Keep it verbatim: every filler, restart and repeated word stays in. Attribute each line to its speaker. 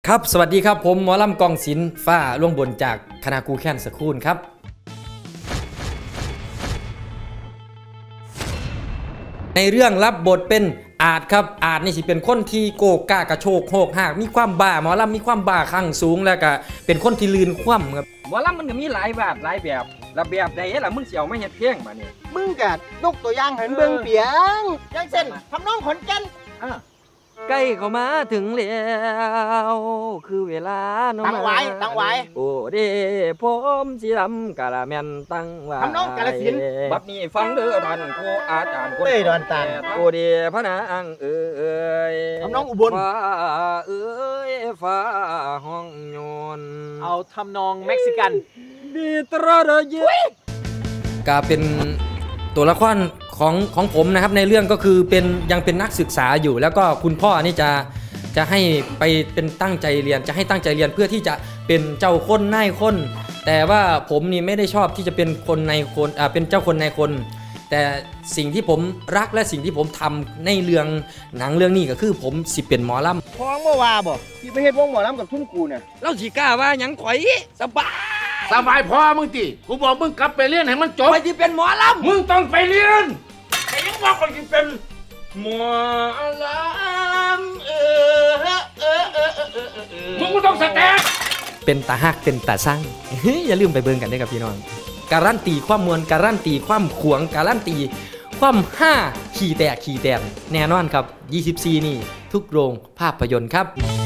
Speaker 1: ครับสวัสดีครับผมหมอลำกองศิลป์ฟ้าล่วงบนจากคณะครูแค้นสคูลครับในเรื่องรับบทเป็นอาจครับอาจนี่สิเป็นคนที่โกกล้ากระโชกโหกหากมีความบ้าหมอลำมีความบ้าข้างสูงแล้วก็เป็นคนที่ลืนคว่ำครับ
Speaker 2: หมอลำมันก็มีหลายแบบหลายแบบระเบียบใดล่ะมึงเสียวไม่เห็ดเพียงมาเนี่ย
Speaker 3: มึงกัดยกตัวอย่างให้เบิ่งเปียงยังเส้นทำน้องขอนแก่น
Speaker 1: ใกล้เข้ามาถึงแล้วคือเวลา
Speaker 3: ตั้งไว้ตั้งไว้
Speaker 1: โอ้เด้ผมสิลำกะละแม่นตั้งไว้
Speaker 3: ทำน้องกาลสิน
Speaker 2: บัดนี้ฟังเด้อท่านครูอาจารย์คน
Speaker 3: เต้ยดอนตาล
Speaker 1: โอ้เด้พระนางเอ้ย
Speaker 3: ทำน้องอุบล
Speaker 1: ฟ้าเอ้ยฟ้าห้องโยน
Speaker 3: เอาทำนองเม็กซิกัน
Speaker 1: ดีตราเดยก็เป็นตัวละครของของผมนะครับในเรื่องก็คือเป็นยังเป็นนักศึกษาอยู่แล้วก็คุณพ่อนี่จะจะให้ไปเป็นตั้งใจเรียนจะให้ตั้งใจเรียนเพื่อที่จะเป็นเจ้าคนนายคนแต่ว่าผมนี่ไม่ได้ชอบที่จะเป็นคนในคนอ่าเป็นเจ้าคนนายคนแต่สิ่งที่ผมรักและสิ่งที่ผมทำในเรื่องหนังเรื่องนี้ก็คือผมสิเป็นหมอลำ
Speaker 3: พ้องเมื่อวาบอกที่ไปเฮ็ดวงหมอลำกับทุ่มกูเนี่ย
Speaker 1: เราสิกล้าว่าหยังข่อยสบาย
Speaker 4: สบายพอมึงติกูบอกมึงกลับไปเรียนให้มันจบ
Speaker 1: ไปที่เป็นหมอลำ
Speaker 4: มึงต้องไปเรียนแต่ยังว่าคนที่เป็นหมอลำเออเออเออเออเออมึงก็ต้องแสดง
Speaker 1: เป็นตาฮักเป็นตาสร้างอย่าลืมไปเบิ่งกันด้วยกับพี่น้องการันตีความมวลการันตีความขวงการันตีความห้าขี่แตกขี่แตกแน่นอนครับยี่สิบสี่นี่ทุกโรงภาพยนตร์ครับ